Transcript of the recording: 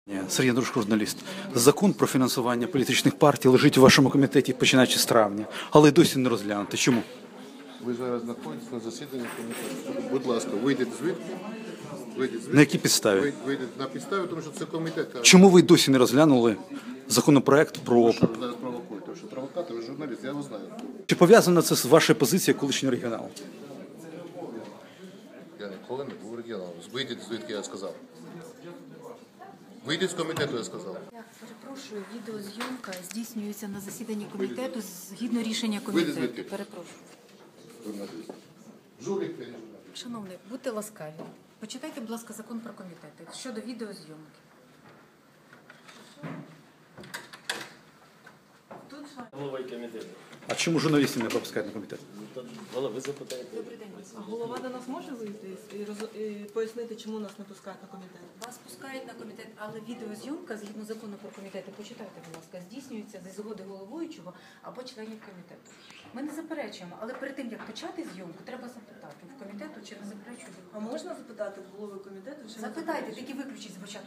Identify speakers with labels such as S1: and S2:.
S1: Сергій Андрушко, журналіст. Закон про фінансування політичних партій лежить у вашому комітеті, починаючи з травня, але досі не розглянути. Чому?
S2: Ви зараз знаходитесь на засіданні комітету. Будь ласка, вийдіть звідки.
S1: На якій підставі?
S2: Вийдіть на підставі, тому що це комітет.
S1: Чому ви досі не розглянули законопроект про...
S2: Що ви зараз провокуєте? Тому що провокатор, ви журналіст, я його знаю.
S1: Чи пов'язано це з вашою позицією колишнього регіоналу?
S2: Я ніколи не був регіоналом. Вийдіть звідки, я сказав. Вийдіть з комітету, я сказав.
S3: Я перепрошую, відеозйомка здійснюється на засіданні комітету згідно рішення
S2: Вийдіть
S3: комітету.
S2: звідки?
S3: Перепрошую.
S2: Журналіст. Жулік, я не журналіст.
S3: Шановний, будьте ласкаві. Почитайте, будь ласка, закон про комітети щодо відеозйомки.
S4: Головою комітету.
S1: А чому журналістів не пропускають на комітет?
S4: Голови запитаєте.
S3: Добрий день.
S5: А голова до нас може вийти і пояснити, чому нас не пускають на комітет?
S3: Вас пускають на комітет, але відеозйомка, згідно закону про комітети, почитайте, будь ласка, здійснюється зі згоди головуючого або членів комітету. Ми не заперечуємо, але перед тим, як почати зйомку, треба запитати в комітету, чи не заперечують.
S5: А можна запитати в голови комітету? Чи не
S3: Запитайте, тільки виключіть звучання.